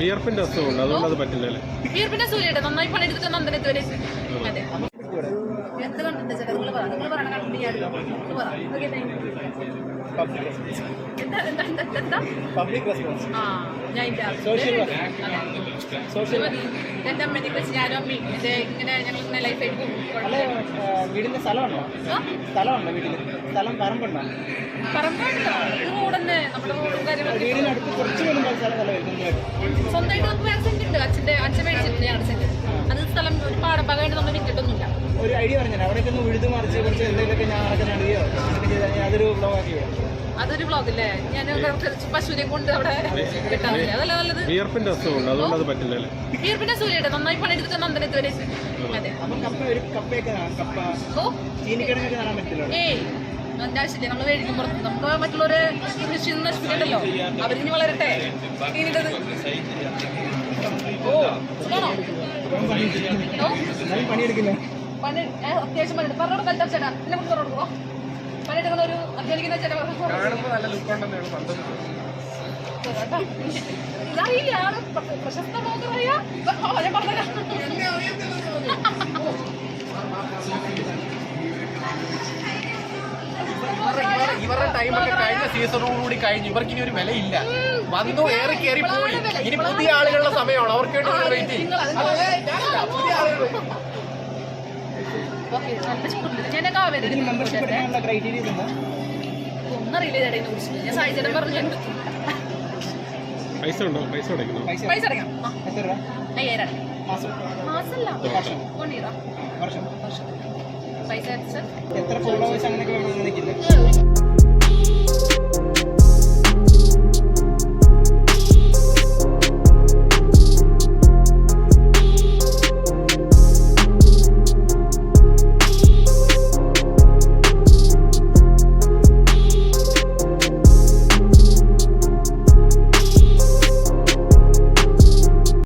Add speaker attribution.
Speaker 1: വിയർപ്പിന്റെ അസുഖമുണ്ട്, അതുകൊണ്ട് അത് പറ്റില്ലല്ലേ?
Speaker 2: വിയർപ്പിന്റെ സൂര്യയുടെ നന്നായി പണിയെടുത്തിട്ട് നന്ദനത്ത് വരെ അതെ എന്ത് കണ്ടിട്ട് ചേട്ടാ നിങ്ങൾ പറയണ കണ്ടിട്ട് ഞാൻ എന്റെ അമ്മേനെ വെച്ച് ഞാനും അമ്മയും ഇങ്ങനെ ഞങ്ങൾ ഇങ്ങനെ ലൈഫായിട്ട് പോകും.
Speaker 3: വീടിന്റെ സ്ഥലമുണ്ടോ? സ്ഥലമുണ്ടോ വീട്ടില്? സ്ഥലം പറമ്പുണ്ടോ?
Speaker 2: പറമ്പായിട്ടില്ല, ഇത് റോഡന്നെ നമ്മുടെ റോഡും കാര്യങ്ങളൊക്കെ
Speaker 3: വീടിനടുത്ത് കുറച്ച്
Speaker 2: സ്വന്തമായിട്ട് നമുക്ക് വേറെ സെന്റ് ഉണ്ട്. അച്ഛൻ മേടിച്ചിട്ടുണ്ട് ഞങ്ങളുടെ സെന്റ്. അത് സ്ഥലം ഒരു പാടഭാഗമായിട്ട് നമ്മൾ വിറ്റിട്ടൊന്നുമില്ല.
Speaker 3: ഒരു ഐഡിയ പറഞ്ഞാൽ അവിടേക്ക് ഒന്ന് ഉഴുതു മറിച്ച് കുറച്ച് എന്തെങ്കിലുമൊക്കെ ഞാനൊക്കെ നടുകയോ അങ്ങനെയൊക്കെ ചെയ്താൽ അതൊരു ബ്ലോഗാക്കി
Speaker 2: അതൊരു ബ്ലോഗില്ലേ? ഞാൻ പശുവിനെ കൊണ്ട് അവിടെ കിട്ടാറില്ല. അതല്ല നല്ലത്.
Speaker 1: വിയർപ്പിന്റെ അസുഖമുണ്ട്, അതുകൊണ്ട് അത് പറ്റില്ലല്ലേ?
Speaker 2: വിയർപ്പിന്റെ സൂര്യയുടെ നന്നായി പണിയെടുത്തിട്ട് നന്ദനത്ത് വരെ അതെ ഏയ് അതിന്റെ ആവശ്യമില്ല. നമ്മൾ മേടിക്കും പുറത്ത്. നമുക്ക് മറ്റുള്ളവരെ കൃഷി നശിപ്പിക്കണ്ടല്ലോ. അവരിനി വളരട്ടെ. ഇനിയിട്ടത് പണി അത്യാവശ്യം പണിയെടുക്കും. പറഞ്ഞോട് കൽച്ചാ ചേട്ടാ എന്നെ കൊണ്ട് തുറന്നു പണിയെടുക്കുന്ന ഒരു അധ്വാനിക്കുന്ന ചേട്ടാ ഇതറിയില്ല. ആള് പ്രശസ്ത ബ്ലോഗറായ ഞാൻ പറഞ്ഞ
Speaker 4: ഇവരുടെ ടൈമൊക്കെ കഴിഞ്ഞ സീസണോടുകൂടി കഴിഞ്ഞു. ഇവർക്ക് ഇനി ഒരു വിലയില്ല. വന്നു ഏറി കയറി പോയി. ഇനി പുതിയ ആളുകളുടെ സമയമാണ്. അവർക്ക് വേണ്ടി വെയിറ്റ് ചെയ്യും. പുതിയ ആളുകൾ
Speaker 2: ഒന്നറിയില്ല ചേട്ടാ ഇതിനെ കുറിച്ച്. ഞാൻ സായിച്ചേട്ടൻ പറഞ്ഞു
Speaker 1: പൈസ ഉണ്ടോ? പൈസ അടയ്ക്കണോ?
Speaker 2: പൈസ അടയ്ക്കാം. 5000 മാസമല്ല വർഷം പൈസ
Speaker 3: എത്ര ഫോളോവേഴ്സ് അങ്ങനെയൊക്കെ വേണമെന്ന്